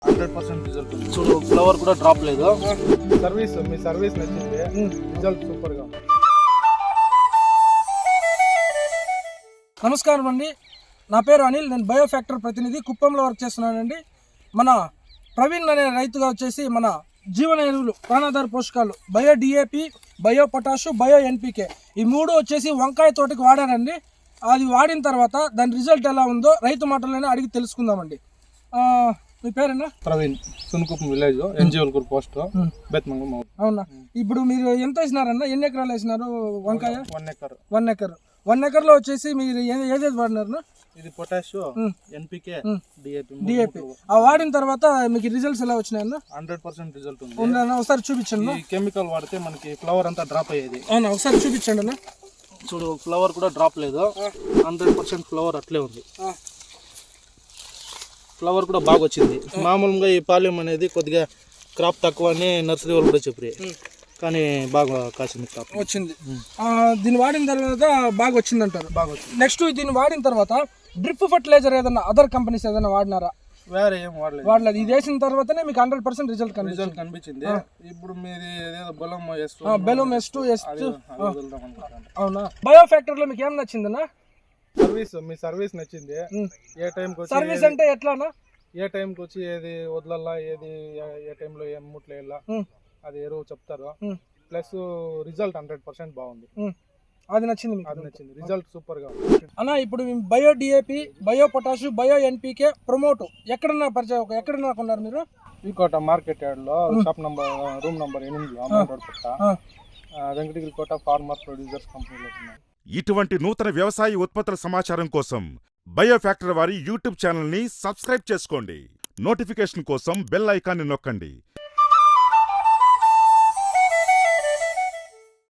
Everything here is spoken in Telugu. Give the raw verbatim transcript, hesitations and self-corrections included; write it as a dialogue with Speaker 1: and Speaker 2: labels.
Speaker 1: హండ్రెడ్ పర్సెంట్ రిజల్ట్ ఉంది. చూడు ఫ్లవర్ కూడా డ్రాప్ లేదు.
Speaker 2: సర్వీస్ మీ సర్వీస్ నచ్చింది, రిజల్ట్ సూపర్ గా.
Speaker 3: నమస్కారం అండి, నా పేరు అనిల్. నేను బయో ఫ్యాక్టరీ ప్రతినిధి, కుప్పంలో వర్క్ చేస్తున్నానండి. మన ప్రవీణ్ అనే రైతుగా వచ్చేసి మన జీవన ఎరువులు, ప్రాణాధార పోషకాలు, bio DAP, bio potash, bio NPK ఈ మూడు వచ్చేసి వంకాయ తోటకి వాడారండి. అది వాడిన తర్వాత దాని రిజల్ట్ ఎలా ఉందో రైతు మాటలోనే అడిగి తెలుసుకుందామండి. మీ పేరేనా?
Speaker 2: ప్రవీణ్, సునుకుప్పం విలేజ్, ఎన్జిఓల్కూర్ పోస్ట్, బెత్మంగం.
Speaker 3: అవునా, ఇప్పుడు మీరు ఎంత వేసినారన్నా? ఎన్ని ఎకరాలు వేసినారు వంకాయ?
Speaker 2: One acre.
Speaker 3: One acre one ఎకర్లో వచ్చేసి మీరు ఏ- ఏదేది వాడినారు?
Speaker 1: ఇది పొటాష్, ఎన్పికే, డిఏపి.
Speaker 3: డిఏపి ఆ వాడిన తర్వాత మీకు రిజల్ట్స్ ఎలా వచ్చినాయన్న?
Speaker 1: హండ్రెడ్ పర్సెంట్ రిజల్ట్ ఉంది.
Speaker 3: ఉందన్న, ఒకసారి చూపించండి.
Speaker 1: ఈ కెమికల్ వాడితే మనకి ఫ్లవర్ అంతా డ్రాప్ అయ్యేది.
Speaker 3: అవునా, ఒకసారి చూపించండి అన్న.
Speaker 1: చూడు ఫ్లవర్ కూడా డ్రాప్ లేదు. హండ్రెడ్ పర్సెంట్ ఫ్లవర్ అట్లే ఉంది. ఫ్లవర్ కూడా బాగా వచ్చింది. మామూలుగా ఈ పాలెం అనేది కొద్దిగా క్రాప్ తక్కువ అని నర్సరీ వాళ్ళు కూడా చెప్పారు, కానీ బాగా కాసింది క్రాప్
Speaker 3: వచ్చింది. ఆ, దీన్ని వాడిన తర్వాత బాగా వచ్చింది అంటారు.
Speaker 1: బాగా వచ్చింది.
Speaker 3: నెక్స్ట్ దీన్ని వాడిన తర్వాత డ్రిప్ ఫర్టిలైజర్ ఏదన్నా అదర్ కంపెనీస్ ఏదైనా వాడినారా?
Speaker 1: వేరే ఏం వాడలేదు.
Speaker 3: వాడలేదు. ఇది వేసిన తర్వాతనే మీకు హండ్రెడ్ పర్సెంట్ రిజల్ట్ కనిపించింది.
Speaker 1: రిజల్ట్ కనిపించింది. ఇప్పుడు మీది ఏదో బలం ఎస్
Speaker 3: బెలూమ్ ఎస్ టూ ఎస్ టూ.
Speaker 1: వదులుదాం అనుకుంటాను.
Speaker 3: అవునా, బయో ఫ్యాక్టరీలో మీకు ఏం నచ్చిందన్నా?
Speaker 2: సర్వీస్ మీ సర్వీస్ నచ్చింది. ఏ టైంకి వచ్చి
Speaker 3: సర్వీస్ అంటే ఎట్లానా?
Speaker 2: ఏ టైంకి వచ్చి ఏది వదలల్లా, ఏది ఏ టైంలో ఏం ముట్లు వేయాలా అది ఎరువు చెప్తారు. ప్లస్ రిజల్ట్ హండ్రెడ్ పర్సెంట్ బాగుంది.
Speaker 3: అది నచ్చింది మీకు?
Speaker 2: అది నచ్చింది, రిజల్ట్ సూపర్ గా.
Speaker 3: అన్న, ఇప్పుడు bio DAP, bio potash, bio NPK promote ఎక్కడన్నా పరిచయం ఎక్కడన్నా కొన్నారు మీరు?
Speaker 2: ఈ కోట మార్కెట్ యార్డ్ లో షాప్ నంబర్ రూమ్ నంబర్ ఎనిమిది అమౌంట్ పట్ట వెంకటగిరి కోట ఫార్మర్ ప్రొడ్యూసర్స్ కంపెనీలో ఉన్నాయి.
Speaker 4: ఇటువంటి నూతన వ్యవసాయ ఉత్పత్తుల సమాచారం కోసం బయో ఫ్యాక్టరీ వారి యూట్యూబ్ ఛానల్ని సబ్స్క్రైబ్ చేసుకోండి. నోటిఫికేషన్ కోసం బెల్ ఐకాన్ని నొక్కండి.